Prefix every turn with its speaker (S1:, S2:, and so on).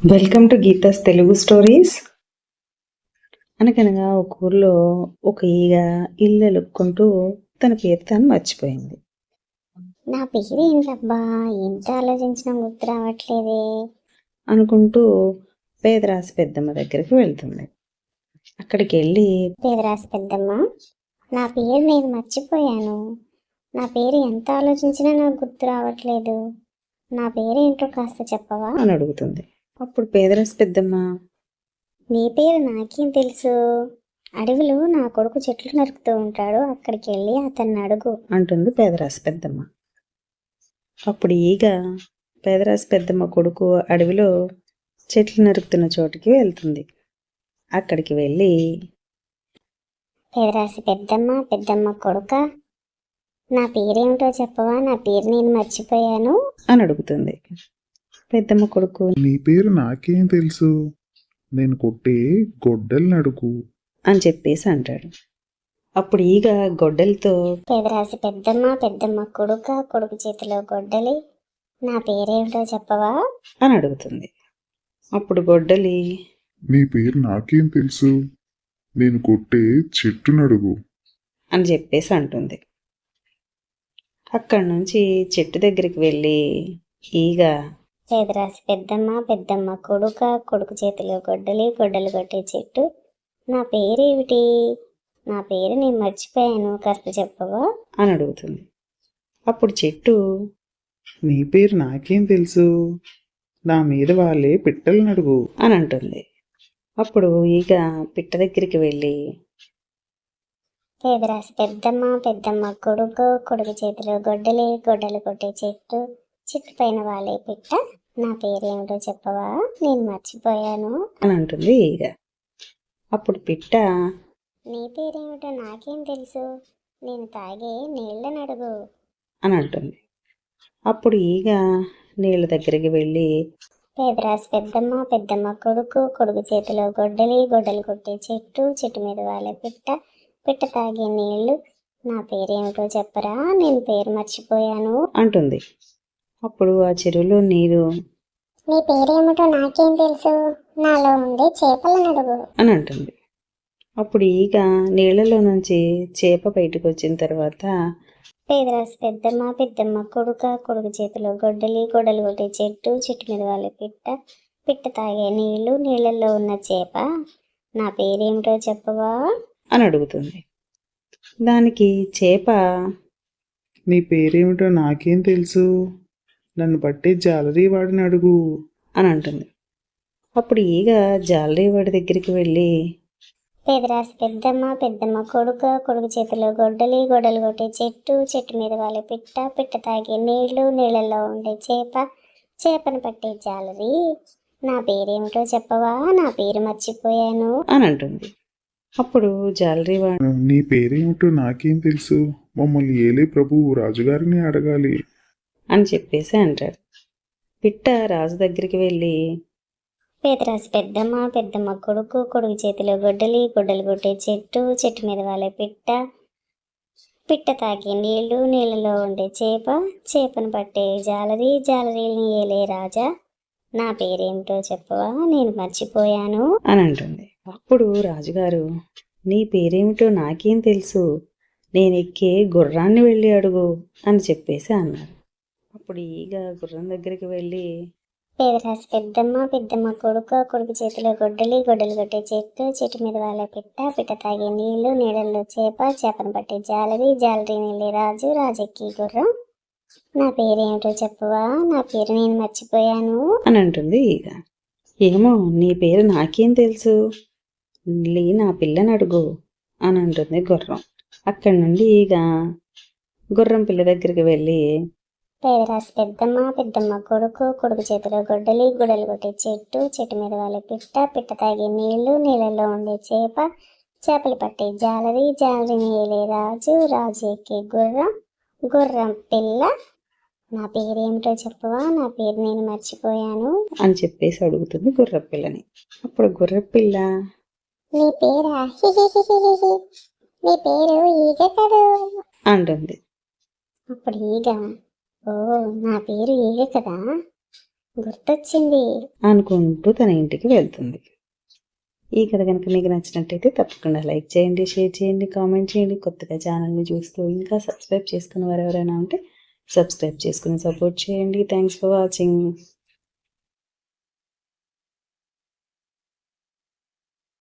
S1: Welcome to Geetha's Telugu stories. అనగనగా ఒక ఊర్లో ఒక ఈగ ఇల్లు ఎలుక్కుంటూ తన పేరు తాను మర్చిపోయింది.
S2: నా పేరు ఏంటబ్బా, ఎంత ఆలోచించినా గుర్తు రావట్లేదే
S1: అనుకుంటూ పేదరాశి పెద్దమ్మ దగ్గరికి వెళ్తుంది. అక్కడికి వెళ్ళి,
S2: పేదరాశి పెద్దమ్మ, నా పేరు నేను మర్చిపోయాను. నా పేరు ఎంత ఆలోచించినా నాకు గుర్తు రావట్లేదు. నా పేరు ఏంటో కాస్త చెప్పవా
S1: అని అడుగుతుంది. అప్పుడు పేదరాశి పెద్దమ్మ,
S2: నీ పేరు నాకేం తెలుసు, అడవిలో నా కొడుకు చెట్లు నరుకుతూ ఉంటాడు, అక్కడికి వెళ్ళి అతన్ని అడుగు
S1: అంటుంది పేదరాశి పెద్దమ్మ. అప్పుడు ఈగ పేదరాశి పెద్దమ్మ కొడుకు అడవిలో చెట్లు నరుకుతున్న చోటుకి వెళ్తుంది. అక్కడికి వెళ్ళి,
S2: పేదరాశి పెద్దమ్మ కొడుక, నా పేరేమిటో చెప్పవా, నా పేరు నేను మర్చిపోయాను
S1: అని అడుగుతుంది. పెద్దమ్మ కొడుకు,
S3: నీ పేరు నాకేం తెలుసు, నేను కొట్టే గొడ్డల్ని అడుగు
S1: అని చెప్పేసి అంటాడు. అప్పుడు ఈగ గొడ్డలతో,
S2: పేదరాశి పెద్దమ్మ కొడుకు చేతిలో గొడ్డలి, నా పేరేమిటో చెప్పవా
S1: అని అడుగుతుంది. అప్పుడు గొడ్డలి,
S3: నీ పేరు నాకేం తెలుసు, నేను కొట్టే చెట్టుని అడుగు
S1: అని చెప్పేసి అంటుంది. అక్కడి నుంచి చెట్టు దగ్గరికి వెళ్ళి ఈగ,
S2: పేదరాశి పెద్దమ్మ కొడుకు చేతిలో గొడ్డలి కొట్టే చెట్టు, నా పేరేమిటి, నా పేరు నేను మర్చిపోయాను, కాస్త చెప్పవా
S1: అని అడుగుతుంది. అప్పుడు చెట్టు,
S3: నీ పేరు నాకేం తెలుసు, నా మీద వాళ్ళే పిట్టలను అడుగు
S1: అని అంటుంది. అప్పుడు ఈగ పిట్ట దగ్గరికి వెళ్ళి,
S2: పేదరాశి పెద్దమ్మ కొడుకు చేతిలో గొడ్డలి కొట్టే చెట్టు పైన వాళ్ళే పిట్ట, నా పేరేమిటో చెప్పవా, నేను మర్చిపోయాను
S1: అని అంటుంది ఈగ. అప్పుడు పిట్ట,
S2: నీ పేరేమిటో నాకేం తెలుసు, నేను తాగే నీళ్ళని అడుగు
S1: అని అంటుంది. అప్పుడు ఈగ నీళ్ళ దగ్గరికి వెళ్ళి,
S2: పేదరాశి పెద్దమ్మ కొడుకు చేతిలో గొడ్డలి కొట్టే చెట్టు మీద వాళ్ళే పిట్ట తాగే నీళ్లు, నా పేరేమిటో చెప్పరా, నేను పేరు మర్చిపోయాను
S1: అంటుంది. అప్పుడు ఆ చెరువులో నీరు,
S2: నీ పేరేమిటో నాకేం తెలుసు, నాలో ఉండే చేపలను అడుగు
S1: అని అంటుంది. అప్పుడు ఈగ నీళ్లలో నుంచి చేప బయటకు వచ్చిన తర్వాత,
S2: పేదరాశి పెద్దమ్మ కొడుకు చేతిలో గొడ్డలి కొట్టే చెట్టు మీద వాళ్ళే పిట్ట తాగే నీళ్ళల్లో ఉన్న చేప, నా పేరేమిటో చెప్పవా
S1: అని అడుగుతుంది. దానికి చేప,
S3: నీ పేరేమిటో నాకేం తెలుసు, నన్ను పట్టే జాలరీ వాడిని అడుగు
S1: అని అంటుంది. అప్పుడు ఈగ జాలరీ వాడి దగ్గరికి వెళ్ళి,
S2: పేదరాశి పెద్దమ్మ కొడుకు చేతిలో గొడ్డలి కొట్టే చెట్టు మీద వాళ్ళే పిట్ట తాగే నీళ్ళల్లో ఉండే చేపను పట్టే జాలరి, నా పేరేమిటో చెప్పవా, నా పేరు మర్చిపోయాను
S1: అని అంటుంది. అప్పుడు జాలరీ వాడు,
S3: నీ పేరేమిటో నాకేం తెలుసు, మమ్మల్ని ఏలే ప్రభువు రాజుగారిని అడగాలి
S1: అని చెప్పేసి అంటాడు. పిట్ట రాజు దగ్గరికి వెళ్ళి,
S2: పేదరాశి పెద్దమ్మ కొడుకు చేతిలో గొడ్డలి కొట్టే చెట్టు మీద వాళ్ళే పిట్ట తాగే నీళ్ళలో ఉండే చేపను పట్టే జాలరీని ఏలే రాజా, నా పేరేమిటో చెప్పవా, నేను మర్చిపోయాను
S1: అని అంటుంది. అప్పుడు రాజుగారు, నీ పేరేమిటో నాకేం తెలుసు, నేను ఎక్కే గుర్రాన్ని వెళ్ళి అడుగు అని చెప్పేసి అన్నారు. అప్పుడు ఈగ గుర్రం దగ్గరికి వెళ్ళి,
S2: పేదరాశి పెద్దమ్మ కొడుకు చేతిలో గొడ్డలి కొట్టే చెట్టు మీద వాళ్ళ పిట్ట తాగే నీళ్ళల్లో చేపను పట్టే జాలరీ నీళ్ళే రాజెక్కి గుర్రం, నా పేరేమిటో చెప్పవా, నా పేరు నేను మర్చిపోయాను
S1: అని అంటుంది ఈగ. ఏమో, నీ పేరు నాకేం తెలుసు, నా పిల్లని అడుగు అని అంటుంది గుర్రం. అక్కడి నుండి ఈగ గుర్రం పిల్ల దగ్గరికి వెళ్ళి,
S2: పేదరాశి పెద్దమ్మ కొడుకు చేతిలో గొడ్డలి కొట్టే చెట్టు మీద వాళ్ళ పిట్ట తాగే నీళ్ళల్లో ఉండే చేపలు పట్టే జాలరీ నీళ్ళే రాజు ఎక్కే గుర్రం పిల్ల, నా పేరేమిటో చెప్పవా, నా పేరు నేను మర్చిపోయాను
S1: అని చెప్పేసి అడుగుతుంది గుర్రపిల్లని. అప్పుడు గుర్రపిల్ల,
S2: నీ పేరా, నీ పేరు ఈగ కదూ
S1: అంటుంది.
S2: అప్పుడు ఈగ, ఓ నా పేరు ఈగ కదా, గుర్తొచ్చింది.
S1: అనుకుంటూ తన ఇంటికి వెళ్తుంది. ఈ కథ కనుక మీకు నచ్చినట్టయితే తప్పకుండా లైక్ చేయండి, షేర్ చేయండి, కామెంట్ చేయండి. కొత్తగా ఛానల్ని చూస్తూ ఇంకా సబ్స్క్రైబ్ చేసుకున్న వారు ఎవరైనా ఉంటే సబ్స్క్రైబ్ చేసుకుని సపోర్ట్ చేయండి. Thanks for watching.